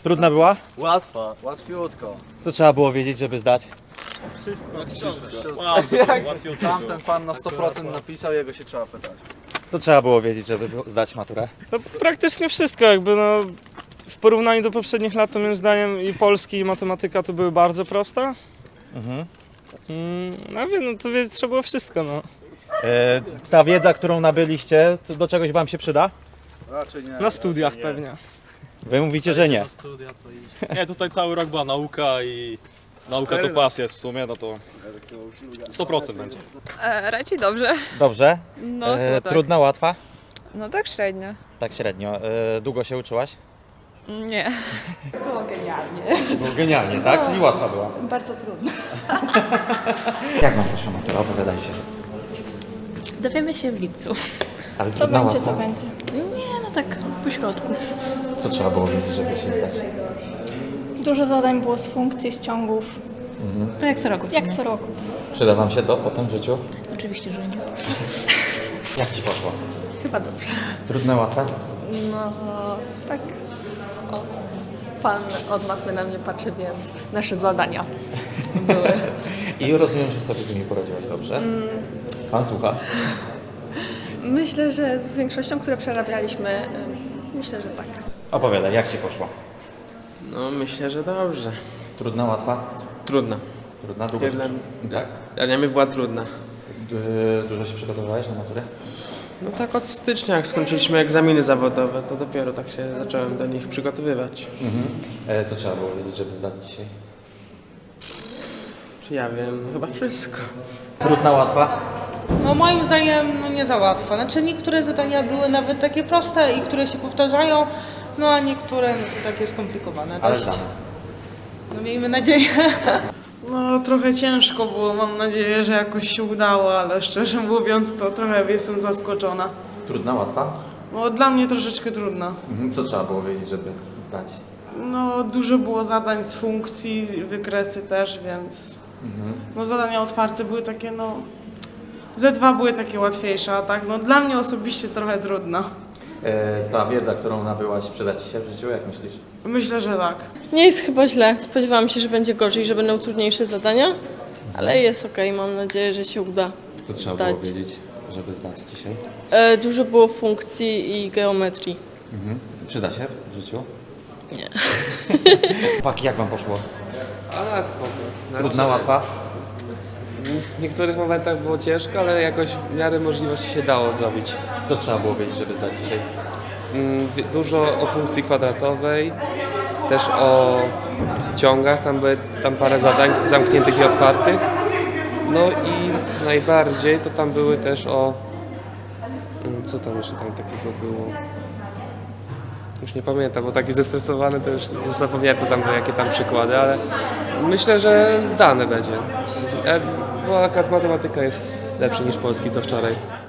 Trudna była? Łatwa. Łatwiutko. Co trzeba było wiedzieć, żeby zdać? Tamten pan na 100% napisał, jego się trzeba pytać. Co trzeba było wiedzieć, żeby zdać maturę? No, praktycznie wszystko, jakby no, w porównaniu do poprzednich lat, to moim zdaniem i polski, i matematyka to były bardzo proste. No wiem, no to trzeba było wszystko, no. Ta wiedza, którą nabyliście, to do czegoś wam się przyda? Raczej nie. Na studiach pewnie. Wy mówicie, że nie. Nie, tutaj cały rok była nauka i nauka to pasja w sumie, no to 100% będzie. Raczej dobrze. Dobrze. No, chyba tak. Trudna, łatwa? No tak średnio. Tak średnio. Długo się uczyłaś? Nie. Było genialnie. Było genialnie, tak? Czyli łatwa była. Bardzo trudno. Jak wam poszła matura? Opowiadajcie. Dowiemy się w lipcu. Ale Co trudna, będzie, łatwa? to będzie. Nie, no tak po środku. Co trzeba było wiedzieć, żeby się zdać? Dużo zadań było z funkcji, z ciągów. To jak co roku. Jak co roku. Przyda wam się to potem w życiu? Oczywiście, że nie. Jak ci poszło? Chyba dobrze. Trudne, łatwe? No tak. O, pan od matmy na mnie patrzy, więc nasze zadania były. I rozumiem, że sobie z nimi poradziłaś dobrze? Pan słucha? Myślę, że z większością, które przerabialiśmy, myślę, że tak. Opowiadaj, jak ci poszło? No myślę, że dobrze. Trudna, łatwa? Trudna. Trudna, długo się Jedna- Tak? Dla mnie była trudna. Dużo się przygotowywałeś na maturę? No tak od stycznia, jak skończyliśmy egzaminy zawodowe, to dopiero tak się zacząłem do nich przygotowywać. Co trzeba było wiedzieć, żeby zdać dzisiaj? Czy ja wiem? Chyba wszystko. Trudna, łatwa? No moim zdaniem no nie za łatwo. Znaczy niektóre zadania były nawet takie proste i które się powtarzają, no a niektóre no to takie skomplikowane Ale dość. zdane. No miejmy nadzieję. No trochę ciężko było, mam nadzieję, że jakoś się udało, ale szczerze mówiąc to trochę jestem zaskoczona. Trudna, łatwa? No dla mnie troszeczkę trudna. Co trzeba było wiedzieć, żeby zdać? No dużo było zadań z funkcji, wykresy też, więc no zadania otwarte były takie no... Z2 były takie łatwiejsze, a tak no dla mnie osobiście trochę trudna. Ta wiedza, którą nabyłaś, przyda ci się w życiu, jak myślisz? Myślę, że tak. Nie jest chyba źle. Spodziewałam się, że będzie gorzej, że będą trudniejsze zadania, ale jest okej. Mam nadzieję, że się uda. Co trzeba zdać. było wiedzieć, żeby zdać dzisiaj? Dużo było funkcji i geometrii. Przyda się w życiu? Nie. Chłopaki, jak wam poszło? Ale spoko. Trudna, łatwa? W niektórych momentach było ciężko, ale jakoś w miarę możliwości się dało zrobić. Co trzeba było wiedzieć, żeby zdać dzisiaj? Dużo o funkcji kwadratowej, też o ciągach, tam parę zadań zamkniętych i otwartych. No i najbardziej to tam były też o... Co tam jeszcze tam takiego było? Już nie pamiętam, bo taki zestresowany to już zapomniałem co tam było, jakie tam przykłady, ale myślę, że zdane będzie. Bo akurat matematyka jest lepsza niż polski co wczoraj.